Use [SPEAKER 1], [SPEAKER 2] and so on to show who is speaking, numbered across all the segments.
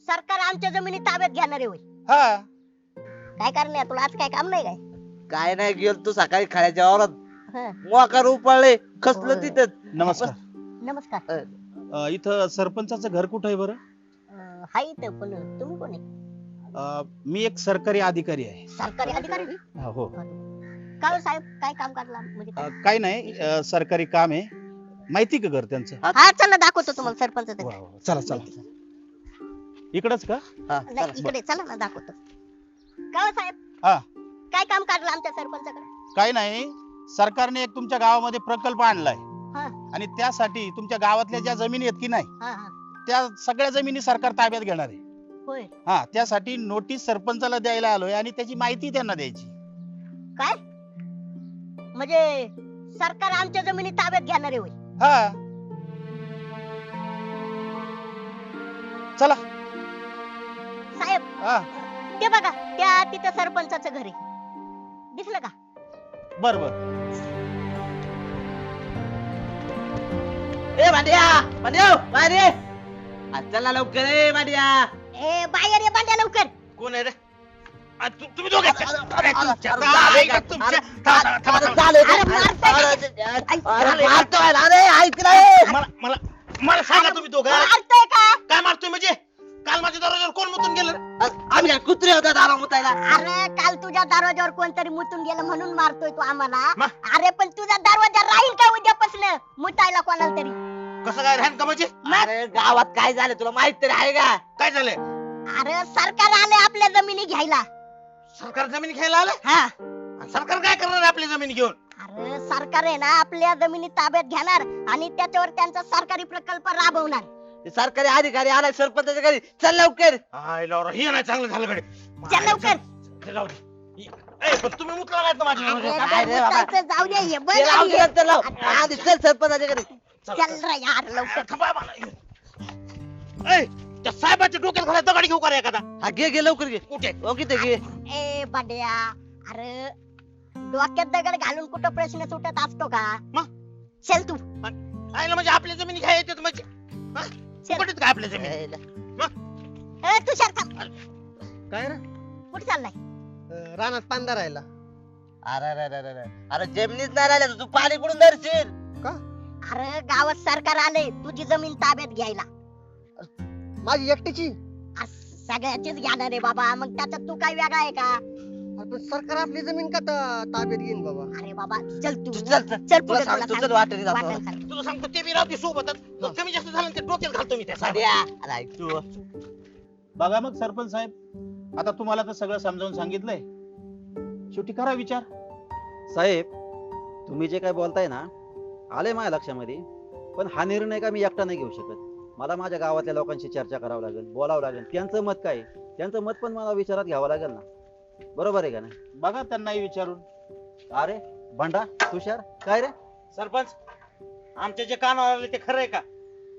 [SPEAKER 1] सरकार आमच्या जमिनी ताब्यात घेणार आहे होय.
[SPEAKER 2] हा
[SPEAKER 1] काय करणार तुला आज काय काम नाही काय?
[SPEAKER 3] काय नाही गेलो तू सकाळी खळ्याच्या वावरात
[SPEAKER 1] हं.
[SPEAKER 3] मोकार उपळले खसलं
[SPEAKER 1] होय.
[SPEAKER 3] तिथं.
[SPEAKER 2] नमस्कार.
[SPEAKER 1] नमस्कार.
[SPEAKER 2] इथं सरपंचाचं घर कुठं आहे बरं?
[SPEAKER 1] हाय इथं पण तुम्ही कोण आहे?
[SPEAKER 2] मी एक सरकारी अधिकारी आहे.
[SPEAKER 1] सरकारी अधिकारी बी?
[SPEAKER 2] हो.
[SPEAKER 1] का हो साहेब काय काम करला म्हणजे काय?
[SPEAKER 2] काही नाही, सरकारी काम आहे. माहिती का घर त्यांचं?
[SPEAKER 1] हा चला दाखवतो तुम्हाला सरपंच
[SPEAKER 2] वा, वा. चला चला. इकडच का?
[SPEAKER 3] हा,
[SPEAKER 1] नाही
[SPEAKER 3] चला.
[SPEAKER 1] इकडे चला ना दाखवतो. का हो साहेब
[SPEAKER 2] हा.
[SPEAKER 1] काय काम काढलं आमच्या सरपंचाकडे?
[SPEAKER 2] काही नाही, सरकारने एक तुमच्या गावामध्ये प्रकल्प आणलाय
[SPEAKER 1] हा
[SPEAKER 2] आणि त्यासाठी तुमच्या गावातल्या ज्या जमिनी आहेत की नाही,
[SPEAKER 1] हा हा
[SPEAKER 2] त्या सगळ्या जमिनी सरकार ताब्यात घेणार आहे.
[SPEAKER 1] होय.
[SPEAKER 2] हा, त्यासाठी नोटीस सरपंचाला द्यायला आलोय आणि त्याची माहिती त्यांना द्यायची.
[SPEAKER 1] काय म्हणजे सरकार आमच्या जमिनी ताब्यात घेणार आहे होय?
[SPEAKER 2] हा, चला.
[SPEAKER 1] साहेब
[SPEAKER 2] हा,
[SPEAKER 1] ते बघा त्या तिथं सरपंचाचं घर आहे, दिसलं का?
[SPEAKER 2] बर बर.
[SPEAKER 3] ए भांड्या भांड्या बाहेर ये. चला लवकर ए भांड्या.
[SPEAKER 1] ए बाहेर ये बांड्या लवकर.
[SPEAKER 2] कोण आहे रे? तुम्ही दोघे
[SPEAKER 3] अरे, अरे, अरे, मारतोय ना रे, ऐक ना रे.
[SPEAKER 2] मला सांगा तुम्ही दोघं
[SPEAKER 1] मारतोय का?
[SPEAKER 2] काय मारतोय म्हणजे? काल माझ्या दरवाजावर कोण मुतून गेलं?
[SPEAKER 3] आम्ही काय कुत्रे होतो दारा मुतायला?
[SPEAKER 1] अरे काल तुझ्या दरवाजावर कोणतरी मुतून गेलं म्हणून मारतोय तू आम्हाला.
[SPEAKER 2] मा?
[SPEAKER 1] अरे पण तुझा दरवाजा राहील का उद्यापासून मुतायला कोणाला तरी?
[SPEAKER 2] कसं काय राहण का म्हणजे?
[SPEAKER 3] अरे गावात काय झालं तुला माहित तरी आहे का?
[SPEAKER 2] काय झालंय?
[SPEAKER 1] अरे सरकार आले आपल्या जमिनी घ्यायला.
[SPEAKER 2] सरकार जमीन घ्यायला आलं?
[SPEAKER 1] हा
[SPEAKER 2] आणि सरकार काय करणार आहे आपली जमीन घेऊन?
[SPEAKER 1] अरे सरकार आहे ना आपल्या जमिनी ताब्यात घेणार आणि त्याच्यावर त्यांचा सरकारी प्रकल्प राबवणार.
[SPEAKER 3] ते सरकारी अधिकारी आलाय सरपंचाच्या घरी. चल लवकर.
[SPEAKER 2] हे नाही चांगलं झालं कडे.
[SPEAKER 1] चल लवकर.
[SPEAKER 2] पण तुम्ही मुतला काय माझ्या
[SPEAKER 1] अरे
[SPEAKER 2] दरवाजावर?
[SPEAKER 3] काय रे बाबा?
[SPEAKER 1] मुतायचं जाऊ दे हे बघ
[SPEAKER 3] ते लाव
[SPEAKER 1] आणि
[SPEAKER 3] की नंतर लाव. आधी चल सरपंचाच्या घरी.
[SPEAKER 1] चल रे यार लवकर.
[SPEAKER 2] थांबा मला. ए, त्या साहेबाच्या डोक्यात घाला दगड घेऊ का रे एखादा?
[SPEAKER 3] हा घे घे लवकर घे.
[SPEAKER 2] कुठे?
[SPEAKER 3] हो किती घे.
[SPEAKER 1] ए बड्या अरे डोक्यात दगड घालून कुठं प्रश्न सुटत असतो का?
[SPEAKER 2] मग?
[SPEAKER 1] चल तू
[SPEAKER 2] आयला म्हणजे आपल्या जमिनी घ्यायला येतात म्हणजे? हा? फुकटात काय आपल्या जमिनी?
[SPEAKER 1] ए तुषार थांब.
[SPEAKER 4] काय रे
[SPEAKER 1] कुठे चाललाय?
[SPEAKER 4] रानात पांदा राहिला
[SPEAKER 3] अरे अरे अरे अरे अरे जमिनीच नाही राहिल्या तू पाणी कुठून धरशील?
[SPEAKER 4] का?
[SPEAKER 1] अरे गावात सरकार आले तुझी जमीन ताब्यात घ्यायला.
[SPEAKER 4] माझी एकटीची?
[SPEAKER 1] सगळ्याचीच घेणार आहे बाबा, मग त्याच्यात तू काय वेगळा आहे का?
[SPEAKER 4] अरे पण सरकार आपली जमीन का ताब्यात घेईन बाबा?
[SPEAKER 1] अरे बाबा चल तू
[SPEAKER 3] तू चल चल.
[SPEAKER 1] चल
[SPEAKER 3] तुला
[SPEAKER 1] पुढे
[SPEAKER 3] सांगतो,
[SPEAKER 1] तुला
[SPEAKER 3] चल वाटेने जातो.
[SPEAKER 1] वाटेल सांग.
[SPEAKER 2] तुला सांगतो ते बी राहते सोबतच. कमी जास्त झालं ना ते डोक्यात घालतो मी त्या
[SPEAKER 3] भांड्या. अरे ऐक तू.
[SPEAKER 2] बघा मग सरपंच साहेब, आता तुम्हाला तर सगळं समजावून सांगितलंय, शेवटी करा विचार.
[SPEAKER 5] साहेब, तुम्ही जे काय बोलताय ना, आले माझ्या लक्षामध्ये, पण हा निर्णय का मी एकटा नाही घेऊ शकत. मला माझ्या गावातल्या लोकांशी चर्चा करावं लागेल, बोलावं लागेल. त्यांचं मत काय आहे? त्यांचं मत पण मला विचारात घ्यावं लागेल ना. बरोबर आहे का नाही?
[SPEAKER 2] बघा त्यांनाही विचारून.
[SPEAKER 5] अरे भांडा, तुषार, काय रे?
[SPEAKER 2] सरपंच, आमच्या जे कानावर आले ते खरं आहे का?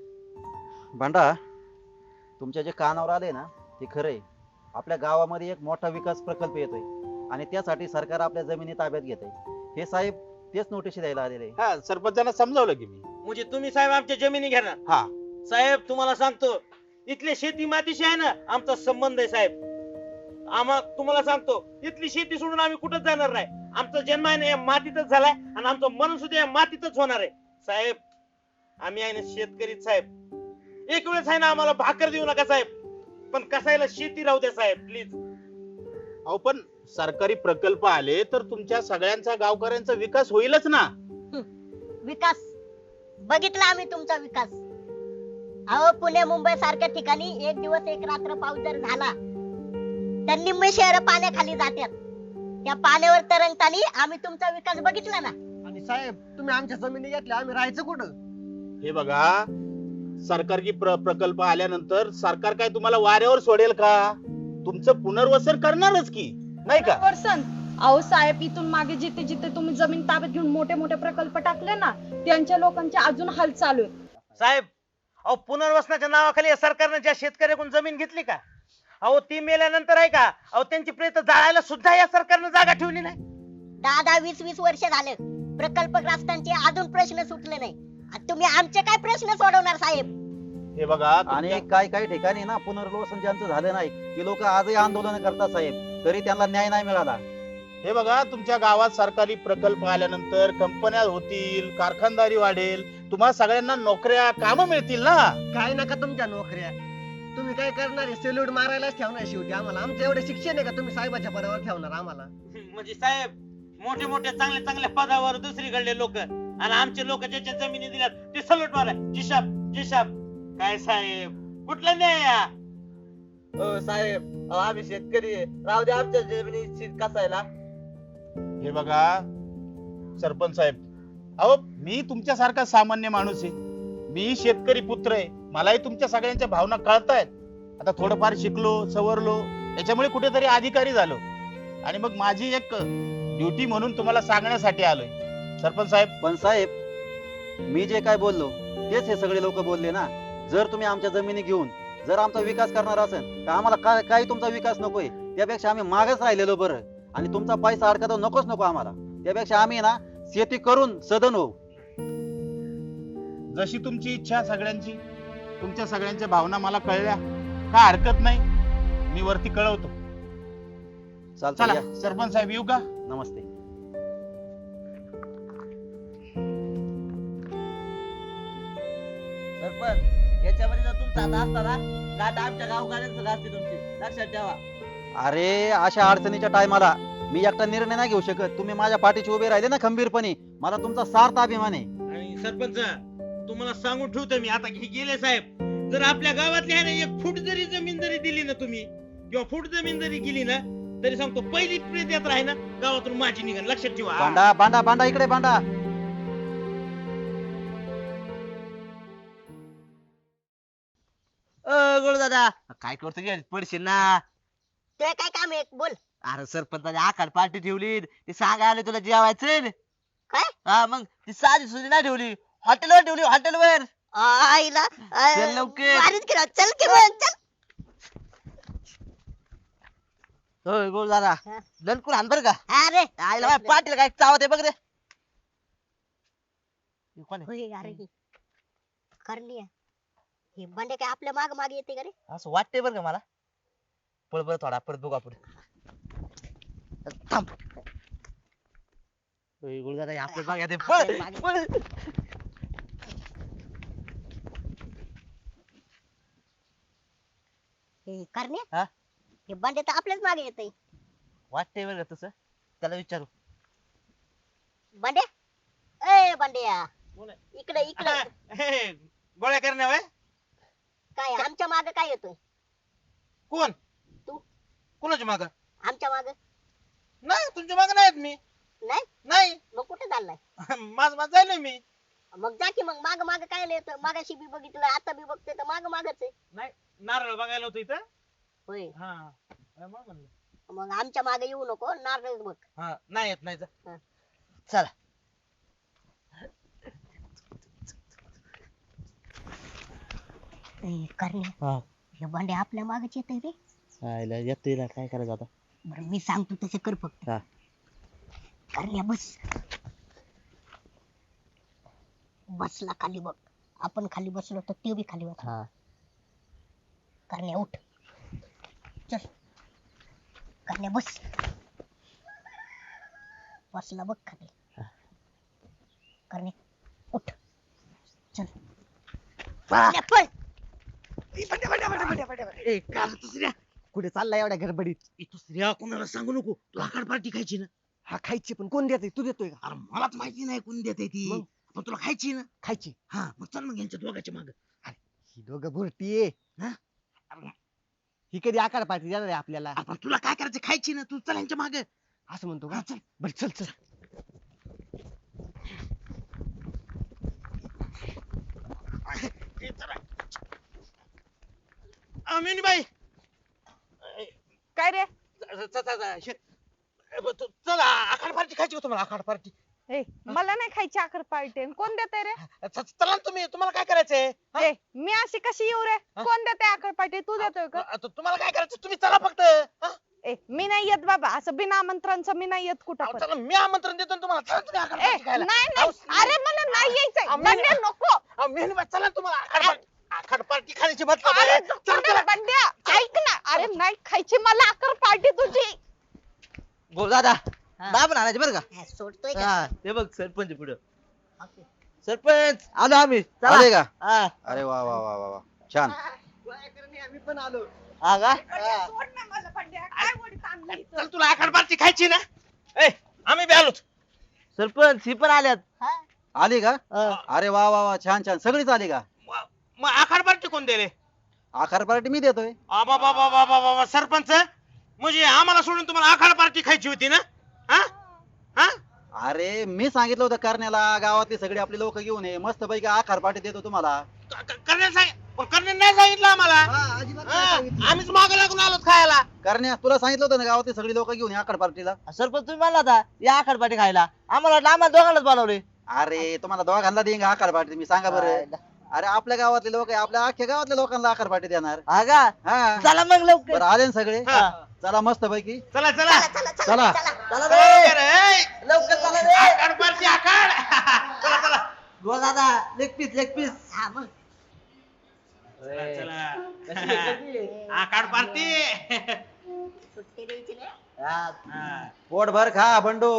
[SPEAKER 5] भांडा, तुमच्या जे कानावर आले ना ते खरं आहे. आपल्या गावामध्ये एक मोठा विकास प्रकल्प येतोय आणि त्यासाठी सरकार आपल्या जमिनी ताब्यात घेत आहे. हे साहेब तेच नोटीस द्यायला आलेले आहे.
[SPEAKER 2] हा, सरपंचांना समजावलं की मी.
[SPEAKER 6] म्हणजे तुम्ही साहेब आमच्या जमिनी घेणार?
[SPEAKER 2] हा.
[SPEAKER 6] साहेब तुम्हाला सांगतो, इथले शेती मातीशी आहे ना आमचा संबंध आहे साहेब. तुम्हाला सांगतो, इथली शेती सोडून आम्ही कुठंच जाणार नाही. आमचा जन्म आहे ना या मातीतच झालाय आणि आमचं मन सुद्धा या मातीतच होणार आहे. साहेब आम्ही आहे ना शेतकरीच साहेब. एक वेळेस आहे ना आम्हाला भाकर देऊ नका साहेब, पण कसायला शेती राहू द्या साहेब प्लीज.
[SPEAKER 2] अहो पण सरकारी प्रकल्प आले तर तुमच्या सगळ्यांचा, गावकऱ्यांचा विकास होईलच ना.
[SPEAKER 1] विकास बघितला आम्ही तुमचा विकास. अहो पुणे मुंबई सारख्या ठिकाणी एक दिवस एक रात्र पाऊस जर झाला तर निम्मे शहर पाण्याखाली जातात. त्या पाण्यावर तरंगताना आम्ही तुमचा विकास बघितला ना.
[SPEAKER 4] आणि साहेब तुम्ही आमच्या जमिनी घेतल्या, आम्ही राहायचं कुठं?
[SPEAKER 2] हे बघा, सरकारी प्रकल्प आल्यानंतर सरकार काय तुम्हाला वाऱ्यावर सोडेल का? तुमचं पुनर्वसन करणारच की, नाही का?
[SPEAKER 7] वर्सन अहो साहेब, इथून मागे जिथे जिथे तुम्ही जमीन ताब्यात घेऊन मोठे मोठे प्रकल्प टाकले ना, त्यांच्या लोकांचे अजून हाल चालू आहेत.
[SPEAKER 6] साहेब अहो पुनर्वसनाच्या नावाखाली या सरकारने ज्या शेतकऱ्याकडून जमीन घेतली का, अहो ती मेल्यानंतर आहे का, अहो त्यांची प्रेत जाळायला सुद्धा या सरकारने जागा ठेवली नाही.
[SPEAKER 1] 10-20 वर्ष झाले प्रकल्पग्रस्तांचे अजून प्रश्न सुटले नाही. तुम्ही आमचे काय प्रश्न सोडवणार साहेब?
[SPEAKER 2] हे बघा
[SPEAKER 5] आणि काही काही ठिकाणी ना पुनर्वसन ज्यांचं झालं नाही ते लोक आजही आंदोलन करतात साहेब, तरी त्यांना न्याय नाही मिळाला.
[SPEAKER 2] हे बघा तुमच्या गावात सरकारी प्रकल्प आल्यानंतर कंपन्या होतील, कारखानदारी वाढेल, तुम्हा सगळ्यांना नोकऱ्या काम मिळतील ना.
[SPEAKER 4] काय नका तुमच्या नोकऱ्या, तुम्ही काय करणार आहे? सेल्यूट मारायलाच ठेवणार शेवटी आम्हाला. आमचं एवढं शिक्षण आहे का तुम्ही साहेबाच्या पदावर ठेवणार आम्हाला?
[SPEAKER 6] म्हणजे साहेब मोठे मोठे चांगल्या चांगल्या पदावर दुसरीकडले लोक आणि आमचे लोक ज्याच्या जमिनी दिल्यात ते सलट मारा. जिशाब जिशाब. काय साहेब कुठला न्याय हा?
[SPEAKER 3] हो साहेब, आम्ही शेतकरी आहे. राहू दे आमच्या जमिनी शीत कसायला.
[SPEAKER 2] हे बघा सरपंच साहेब, अहो मी तुमच्यासारखा सामान्य माणूस आहे, मी शेतकरी पुत्र आहे, मलाही तुमच्या सगळ्यांच्या भावना कळतायत. आता थोडंफार शिकलो सवरलो याच्यामुळे कुठेतरी अधिकारी झालो आणि मग माझी एक ड्युटी म्हणून तुम्हाला सांगण्यासाठी आलोय सरपंच साहेब.
[SPEAKER 5] पण साहेब मी जे काय बोललो तेच हे सगळे लोक बोलले ना. जर तुम्ही आमच्या जमिनी घेऊन जर आमचा विकास करणार असेल तर आम्हाला काही तुमचा विकास नकोय, त्यापेक्षा आम्ही मागच राहिलेलो बरं. आणि तुमचा पैसा अडका नकोच नको आम्हाला, त्यापेक्षा आम्ही ना शेती करून सदन होऊ.
[SPEAKER 2] जशी तुमची इच्छा सगळ्यांची, तुमच्या सगळ्यांच्या भावना मला कळल्या, काय हरकत नाही, मी वरती कळवतो.
[SPEAKER 5] चालतं
[SPEAKER 2] चला
[SPEAKER 5] या.
[SPEAKER 2] सरपंच साहेब येऊ का?
[SPEAKER 5] नमस्ते.
[SPEAKER 3] सरपंच याच्यामध्ये जर तुमचा हात असता ना, गाठ आमच्या गावकऱ्यांचं असते तुमची, लक्षात ठेवा.
[SPEAKER 5] अरे अशा अडचणीच्या टायमाला मी एकटा निर्णय नाही घेऊ शकत. तुम्ही माझ्या पाठीशी उभे राहिले ना खंबीरपणे, मला तुमचा सार्थ अभिमान आहे.
[SPEAKER 6] आणि सरपंच तुम्हाला सांगून ठेवतो मी आता की गेले साहेब, जर आपल्या गावातल्या ह्याने एक फूट जरी जमीन जरी दिली ना तुम्ही, किंवा फूट जमीन जरी गेली ना, तरी सांगतो पहिली प्रेत यात्रा आहे ना गावातून माझी निघण, लक्षात ठेवा.
[SPEAKER 5] बांडा बांडा बांडा इकडे बांडा.
[SPEAKER 3] गोळ दादा काय करतो गे? पडशील ना.
[SPEAKER 1] ते काय काम आहे बोल.
[SPEAKER 3] अरे सरपंचाने आखाड पार्टी ठेवली, ते सांगायला आले तुला जेवायचं.
[SPEAKER 1] काय?
[SPEAKER 3] हा मग ती साधी सुधी नाही ठेवली, हॉटेलवर ठेवली, हॉटेलवर.
[SPEAKER 1] आईला
[SPEAKER 3] चल लवकर.
[SPEAKER 1] भारीच केलं. चल की मग चल.
[SPEAKER 3] होय गोळ दादा
[SPEAKER 1] हा.
[SPEAKER 3] दणकून हाण बरं का.
[SPEAKER 1] अरे
[SPEAKER 3] आईला माझ्या पाटील काय चावत आहे बघ रे. हे कोण आहे?
[SPEAKER 1] होय अरे ही करणी आहे. हे बंडे काय आपल्या माग मागे येते का रे?
[SPEAKER 3] असं वाटतंय बरं का मला. पळ बरं थोडा परत बघू आपण. थांब. होय गोळ दादा आपल्या मागे येते. पळ
[SPEAKER 1] आपल्या मागे.
[SPEAKER 3] पळ.
[SPEAKER 1] हे करणे
[SPEAKER 3] हा?
[SPEAKER 1] हे बंडे तर आपल्याच मागे येते.
[SPEAKER 3] वाटतंय बरं का तसं. त्याला विचारू.
[SPEAKER 1] बंडे ए बंड्या
[SPEAKER 6] कोण आहे?
[SPEAKER 1] इकडे इकडे.
[SPEAKER 6] हे, गोळ्या करण्या वय
[SPEAKER 1] काय आमच्या माग काय येतोय?
[SPEAKER 6] कोण?
[SPEAKER 1] तू.
[SPEAKER 6] कोणाच्या माग?
[SPEAKER 1] आमच्या माग
[SPEAKER 6] नाही तुमच्या माग नाहीत मी.
[SPEAKER 1] नाही.
[SPEAKER 6] नाही
[SPEAKER 1] मग कुठे चाललाय?
[SPEAKER 6] माझ जायलोय मी.
[SPEAKER 1] मग जा की मग माग माग काय येतोय? मागाशी बी बघितलं आता बी बघतोय तर माग मागच आहे.
[SPEAKER 6] नाही नारळ बघायला होतो इथं.
[SPEAKER 1] होय
[SPEAKER 6] हा मग म्हणलं.
[SPEAKER 1] मग आमच्या मागे येऊ नको, नारळच बघ.
[SPEAKER 6] हा नाही येत नाही जा.
[SPEAKER 1] हा.
[SPEAKER 3] चला.
[SPEAKER 1] करणे
[SPEAKER 3] हा.
[SPEAKER 1] हे बंडे आपल्या मागच येतोय रे.
[SPEAKER 3] आईला येतोय काय करायचं आता.
[SPEAKER 1] बरं मी सांगतो तसं कर फक्त.
[SPEAKER 3] हा.
[SPEAKER 1] करण्या बस. बसला खाली बघ. आपण खाली बसलो तर ते बी खाली बस.
[SPEAKER 3] हा.
[SPEAKER 1] करण्या उठ. चल करण्या बस. बसला बघ खाली. करण्या उठ. चल करण्या पळ.
[SPEAKER 6] ए का दुसऱ्या
[SPEAKER 4] कुठे चाललाय एवढ्या गडबडीत?
[SPEAKER 6] दुसऱ्या कोणाला सांगू नको, तू आकाड पार्टी खायची ना.
[SPEAKER 4] हा खायची पण कोण देते? तू देतोय का?
[SPEAKER 6] अरे मलाच माहिती नाही कोणी देते ती,
[SPEAKER 4] मग?
[SPEAKER 6] पण तुला खायची ना.
[SPEAKER 4] खायची.
[SPEAKER 6] हा मग चल मग यांच्या दोघांच्या माग.
[SPEAKER 4] ही दोघं बुरटी आहे. ही कधी आकार पार्टी देणार आहे आपल्याला?
[SPEAKER 6] आपण तुला काय करायचं, खायची ना, तू चल यांच्या माग.
[SPEAKER 4] असं म्हणतो का?
[SPEAKER 6] हा, चल.
[SPEAKER 4] बर चल चल.
[SPEAKER 6] मिनीबाई
[SPEAKER 7] काय रे?
[SPEAKER 6] चल आखाड पार्टी खायची का तुम्हाला? आखाड पार्टी
[SPEAKER 7] ए मला नाही खायची आखर पार्टी. कोण देते रे?
[SPEAKER 6] चला ना तुम्ही, तुम्हाला काय करायचंय? हा?
[SPEAKER 7] ए मी अशी कशी येऊ रे?
[SPEAKER 6] हा?
[SPEAKER 7] कोण देते आखर पार्टी? तू देतोय का?
[SPEAKER 6] तुम्हाला काय करायचं तुम्ही चला फक्त. हा?
[SPEAKER 7] ए मी नाही येत बाबा, असं बिना आमंत्रणचं मी नाही येत कुठं
[SPEAKER 6] अहो,
[SPEAKER 7] पण.
[SPEAKER 6] चला मी आमंत्रण देतो ना तुम्हाला, चला तुम्ही आखाड
[SPEAKER 7] ए
[SPEAKER 6] पार्टी खायला.
[SPEAKER 7] नाही नाही, अरे मला नाही यायचंय.
[SPEAKER 6] अहो,
[SPEAKER 7] बंड्या नको.
[SPEAKER 6] मिनीबाई चला ना तुम्हाला आखाड पार्टी. आखाड पार्टी खाण्याची मतलब
[SPEAKER 7] अरे
[SPEAKER 6] आहे.
[SPEAKER 7] दुकानाला बंड्या ऐक ना अरे नाही खायची मला आकर पार्टी तुझी
[SPEAKER 3] बोल दादा
[SPEAKER 1] हा.
[SPEAKER 3] दाबून आणायचे बरं का
[SPEAKER 1] हा, सोडतोय का
[SPEAKER 3] हा ते बघ सरपंच पुढं
[SPEAKER 1] ओके.
[SPEAKER 3] सरपंच आलो आम्ही चला.
[SPEAKER 5] आले का
[SPEAKER 3] हा
[SPEAKER 5] अरे वा वा वा वा वा छान
[SPEAKER 4] गोळ्याकरणी आम्ही पण आलो
[SPEAKER 3] हा का
[SPEAKER 7] सोड ना मला बंड्या काय वडीत आणलं इथं?
[SPEAKER 6] चल तुला आखाड पार्टी खायची ना ए आम्ही बी आलोच.
[SPEAKER 3] सरपंच ही पण आल्यात
[SPEAKER 1] हा?
[SPEAKER 5] आली का
[SPEAKER 3] हा.
[SPEAKER 5] अरे वा वा वा छान छान सगळीच आली का
[SPEAKER 6] मग आखाड पार्टी कोण दिले?
[SPEAKER 5] आकार पार्टी मी देतोय
[SPEAKER 6] आबा बाबा बाबा बाबा सरपंच म्हणजे आम्हाला सोडून तुम्हाला आखाड पार्टी खायची होती ना? हा हा
[SPEAKER 5] अरे मी सांगितलं होतं करण्याला गावातली सगळी आपली लोक घेऊन ये मस्त पैकी आकार पार्टी देतो तुम्हाला
[SPEAKER 6] करण्याने नाही सांगितलं आम्हाला.
[SPEAKER 4] हा अजिबात नाही
[SPEAKER 6] हा,
[SPEAKER 4] सांगितलं.
[SPEAKER 6] आम्हीच मागे लागून आलो खायला.
[SPEAKER 5] करण्या तुला सांगितलं होतं ना गावातली सगळी लोक घेऊन ये आकार पार्टीला
[SPEAKER 3] सरपंच तुम्ही म्हणला होता या आखाड पाठी खायला आम्हाला वाटलं आम्हाला दोघांनाच बोलावले
[SPEAKER 5] अरे तुम्हाला दोघांना देईन आकार पार्टी मी सांगा बरं अरे आपल्या गावातले लोक आपल्या अख्ख्या गावातल्या लोकांना आकार पार्टी देणार
[SPEAKER 3] हा का
[SPEAKER 5] हा
[SPEAKER 3] चला मग लवकर
[SPEAKER 5] बरं आले ना सगळे
[SPEAKER 6] हा.
[SPEAKER 5] चला मस्त पैकी
[SPEAKER 6] चला चला
[SPEAKER 1] चला चला
[SPEAKER 5] चला.
[SPEAKER 1] चला
[SPEAKER 3] चला
[SPEAKER 6] चला
[SPEAKER 3] रे
[SPEAKER 6] लवकर, ए.
[SPEAKER 3] लवकर चला रे
[SPEAKER 6] आखाड पार्टी आखाड चला चला
[SPEAKER 3] गो दादा लेग पीस
[SPEAKER 1] हा मग
[SPEAKER 6] चला आखाड पार्टी
[SPEAKER 1] सुट्टी द्यायची नाही.
[SPEAKER 5] पोटभर खा बंडू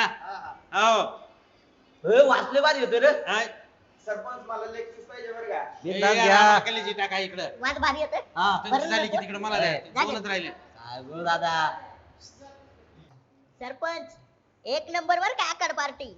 [SPEAKER 6] हो
[SPEAKER 3] वाचले भारी होते रे
[SPEAKER 4] सरपंच मला लेग पीस पाहिजे बरं का
[SPEAKER 5] बिनधास्त घ्या
[SPEAKER 6] टाका इकडं
[SPEAKER 1] वाट भारी येते
[SPEAKER 3] हा
[SPEAKER 1] बरं
[SPEAKER 6] झाली की
[SPEAKER 1] नको?
[SPEAKER 6] तिकडे मला द्या.
[SPEAKER 1] झाले.
[SPEAKER 6] दोनच राहिले.
[SPEAKER 3] काय गो दादा
[SPEAKER 1] सरपंच एक नंबर वर काय आकार पार्टी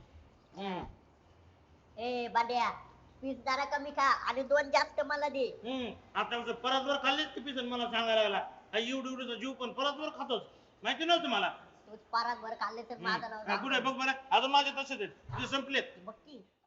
[SPEAKER 1] ए बांड्या पीस जरा कमी खा आणि 2 जास्त मला दे.
[SPEAKER 6] आता परत वर खाल्लीच की पिसन मला सांगायला लागला हा एवढी एवढीचा जीव पण परत वर खातोच माहिती नव्हतं मला.
[SPEAKER 1] तूच पारात वर खाल्ले तर माझं नाव
[SPEAKER 6] कुठे बघ बरं अजून माझे तसेच आहेत ते संपलेत.
[SPEAKER 1] बघ की